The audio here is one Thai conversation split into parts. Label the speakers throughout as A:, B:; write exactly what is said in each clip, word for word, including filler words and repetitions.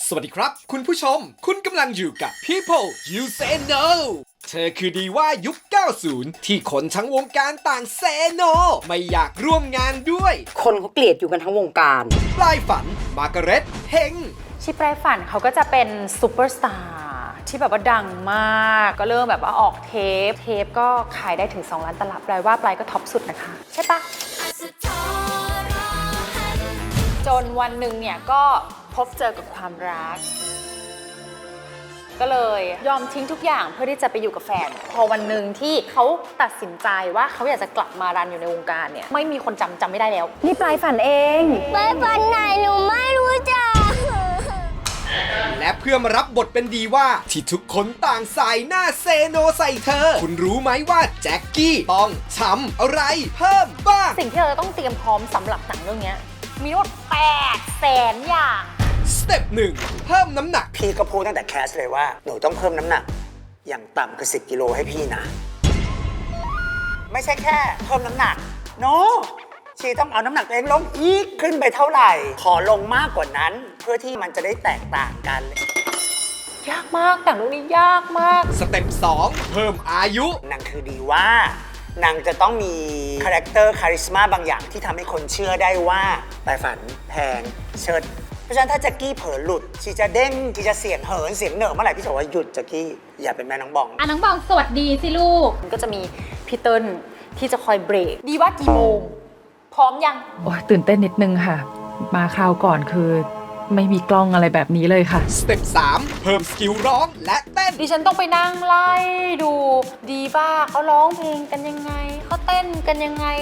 A: สวัสดีครับคุณผู้ชมคุณกำลังอยู่กับ People You Say No เธอคือดีว่ายุค เก้าสิบ ที่คนทั้งวงการต่างเซโนไม่อยากร่วมงานด้วย
B: คนเขาเกลียดอยู่กันทั้งวงการ
A: ปลายฝันมาร์กาเร็ตเฮง
C: ชิปลายฝันเขาก็จะเป็นซูเปอร์สตาร์ที่แบบว่าดังมากก็เริ่มแบบว่าออกเทปเทปก็ขายได้ถึงสองล้านตลับแปลว่าปลายก็ท็อปสุดนะคะใช่ปะจนวันหนึ่งเนี่ยก็พบเจอกับความรักก็เลยยอมทิ้งทุกอย่างเพื่อที่จะไปอยู่กับแฟนพอวันหนึ่งที่เขาตัดสินใจว่าเขาอยากจะกลับมารันอยู่ในวงการเนี่ยไม่มีคนจำจำไม่ได้แล้วนี่ปลายฝันเอง
D: ไปฝันไหนหนูไม่รู้จัก
A: และเพื่อมารับบทเป็นดีว่าที่ทุกคนต่างใส่หน้าเซโนใส่เธอ คุณรู้ไหมว่าแจ็คกี้ต้องทำอะไรเพิ่มบ้าง
C: สิ่งที่เราจะต้องเตรียมพร้อมสำหรับหนังเรื่องนี้มีทั้งหมดแปดแสนอย่าง
A: สเต็ปหนึ่งเพิ่มน้ำหนัก
E: พี่ก็พูดตั้งแต่แคสเลยว่าหนูต้องเพิ่มน้ำหนัก อย่างต่ำคือสิบกิโลให้พี่นะ ไม่ใช่แค่เพิ่มน้ำหนักโน no! ชีต้องเอาน้ำหนักตัวเองลงอีกขึ้นไปเท่าไหร่ ขอลงมากกว่านั้น เพื่อที่มันจะได้แตกต่างกัน
C: ยากมากแต่งเรื่องนี้ยากมาก
A: สเต็ปสองเพิ่มอายุ
E: นางคือดีว่านางจะต้องมีคาแรคเตอร์คาริสมาบางอย่างที่ทำให้คนเชื่อได้ว่าปลายฝันแพงเชิดเพราะฉะนั้นถ้าแจ็คกี้เผลอหลุดชีจะเด้งชีจะเสียงเหินเสียงเหน่อเมื่อไหร่พี่จะบอกว่าหยุดแจ็คกี้อย่าเป็นแม่น้องบอง
D: อ่ะน้องบองสวัสดีสิลูก
C: มันก็จะมีพี่เติ้ลที่จะคอยเบรกดีว่ากี่โมง พร้อมยัง
F: โอ้ยตื่นเต้นนิดนึงค่ะ มาคราวก่อนคือไม่มีกล้องอะไรแบบนี้เลยค่ะ
A: สเต็ปสามเพิ่มสกิลร้องและเต้น
C: ดิฉันต้องไปนั่งไล่ดูดีบ้าเขาร้องเพลงกันยังไงเขาเต้นกันยังไง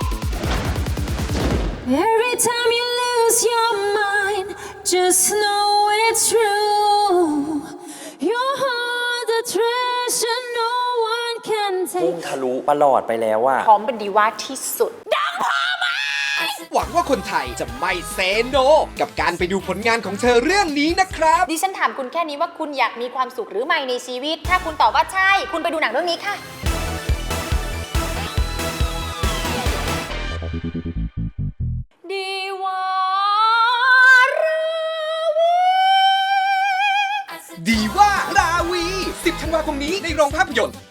G: Every time you lose your mind, just know it's true. Your heart, the treasure no one can
H: พุ่ง
G: take.
H: ทะลุประหลอดไปแล้วอะ
C: พร้อมเป็นดีว่าที่สุด
A: หวังว่าคนไทยจะไม่เซโนกับการไปดูผลงานของเธอเรื่องนี้นะครับ
C: ดิฉันถามคุณแค่นี้ว่าคุณอยากมีความสุขหรือไม่ในชีวิต ถ้าคุณตอบว่าใช่ คุณไปดูหนังเรื่องนี้ค่ะ ดีว่าราวี
A: ดีว่าราวี สิบธันวาคมนี้ในโรงภาพยนตร์